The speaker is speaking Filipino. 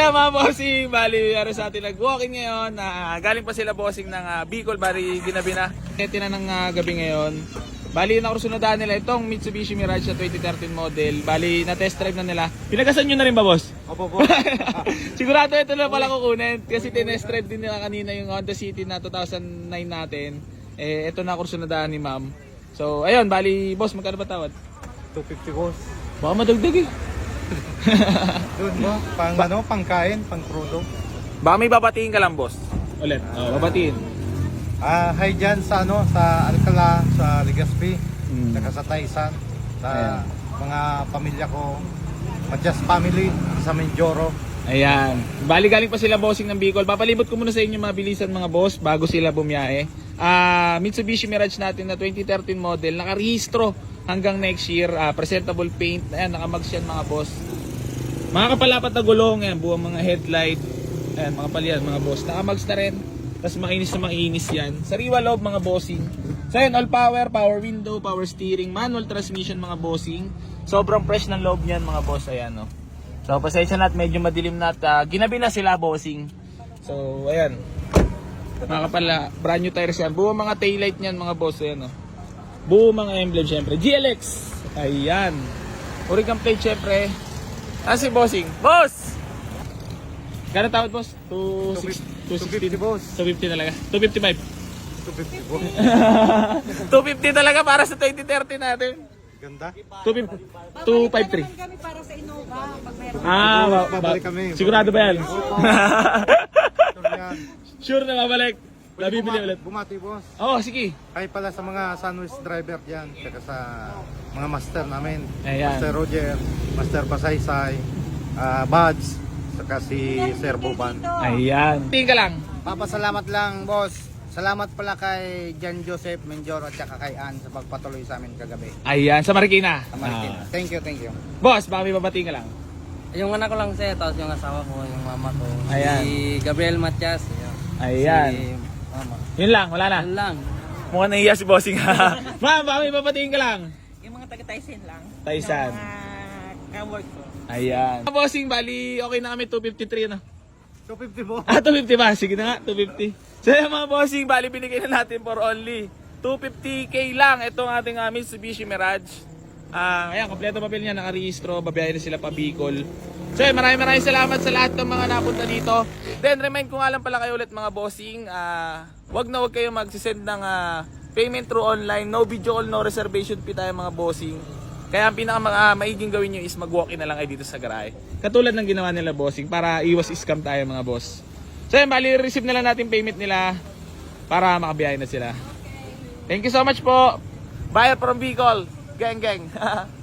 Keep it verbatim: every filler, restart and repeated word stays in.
ayan mga bossing, bali meron sa atin nag-walking ngayon. Uh, galing pa sila bossing ng uh, Bicol, bali ginabi na. Ito na ng uh, gabi ngayon. Bali nakursunodaan nila itong Mitsubishi Mirage na twenty thirteen model. Bali na test drive na nila. Pinagasan nyo na rin ba boss? Opo po. Sigurado ito na pala kukunin. Kasi tinest drive din nila kanina yung Honda City na two thousand nine natin. Eh ito na kursunodaan ni ma'am. So ayun, bali boss magkano ba tawad? two fifty boss. Baka madagdag eh. Doon mo, pang ano, pangkain, pang crudo. Baka may babatiin ka lang boss. Ulit. Oh, babatiin. Ah, hi dyan sa ano, sa Alcala, sa Legazpi, Mm. saka sa Taisan, sa Ayan. mga pamilya ko, Matias family, sa Mindoro. Ayan. Bali galing pa sila bossing ng Bicol. Papalibot ko muna sa inyo mabilisan mga boss bago sila bumiyahe. Ah, Mitsubishi Mirage natin na twenty thirteen model, nakarehistro hanggang next year. Ah, presentable paint. Ayan, nakamags yan mga boss. Mga kapalapat na gulong, ayan, buwang mga headlight. Ayan, mga palyan mga boss. Nakamags na rin. Tapos mainis na mainis yan. Sariwa loob mga bossing. So ayan, all power, power window, power steering, manual transmission mga bossing. Sobrang fresh ng loob niyan mga boss. Ayan o. Oh. So pasensya na at medyo madilim na at uh, ginabi na sila bossing. So ayan. Mga kapala, brand new tires yan. Buo mga taillight niyan mga boss. Ayan o. Oh. Buo mga emblem syempre. G L X. Ayan. Oricam plate syempre. Ah si bossing. Boss! Gano'ng tawad boss? two sixty boss. two fifty talaga. two fifty-five. two fifty boss. two fifty talaga para sa twenty thirty natin. Ganda. two fifty-three. Kami para sa Innova pag meron. Ah, ba, ba, Babalik kami. sigurado ba yan? Ito yan. Sure na babalik. Nabibili Bumati- ulit. Bumati boss. Oh, sige. Ay pala sa mga sandwich driver dyan, saka sa mga master namin. Ayan. Master Roger, Master Pasaysay, uh, Buds, saka si Sir Boban. Ayan. Tingin ka lang. Papasalamat lang, boss. Salamat pala kay Jan Joseph Menjor at saka kay Ann sa pagpatuloy sa amin kagabi. Ayan, sa Marikina. Sa Marikina. Ah. Thank you, thank you. Boss, baka may babating ka lang. Yung anak ko lang siya, tapos yung asawa ko, yung mama ko. Ayan. Si Gabriel Matias. Yun. Ayan. Si mama. Yun lang, wala na. Yun lang. Mukhang nahiya si bossing. Ma'am, baka may babating ka lang. Yung mga taga-Tyson lang. Taisan. Yung mga ka-work ko. Ayan. Bossing, bali, okay na kami, two fifty-three na. two fifty boss. Ah, two fifty ba? Sige na nga, two fifty. So yan mga bossing, bali binigay na natin for only two fifty K lang. Itong ating uh, Mitsubishi Mirage. Ah, ayan, kompleto papel niya, nakarehistro, babiyahin na sila pa Bicol. So yan, maraming maraming salamat sa lahat ng mga napunta dito. Then remind ko nga lang pala kayo ulit mga bossing, ah, wag na wag kayo magsisend ng ah, payment through online. No video call, no reservation fee tayo mga bossing. Kaya ang pinaka uh, maiging gawin nyo is mag-walk-in na lang kayo dito sa garahe. Katulad ng ginawa nila bossing para iwas scam tayo mga boss. So yan, bali receive na lang natin payment nila para makabiyahin na sila. Thank you so much po. Buyer from Bicol. Gang gang.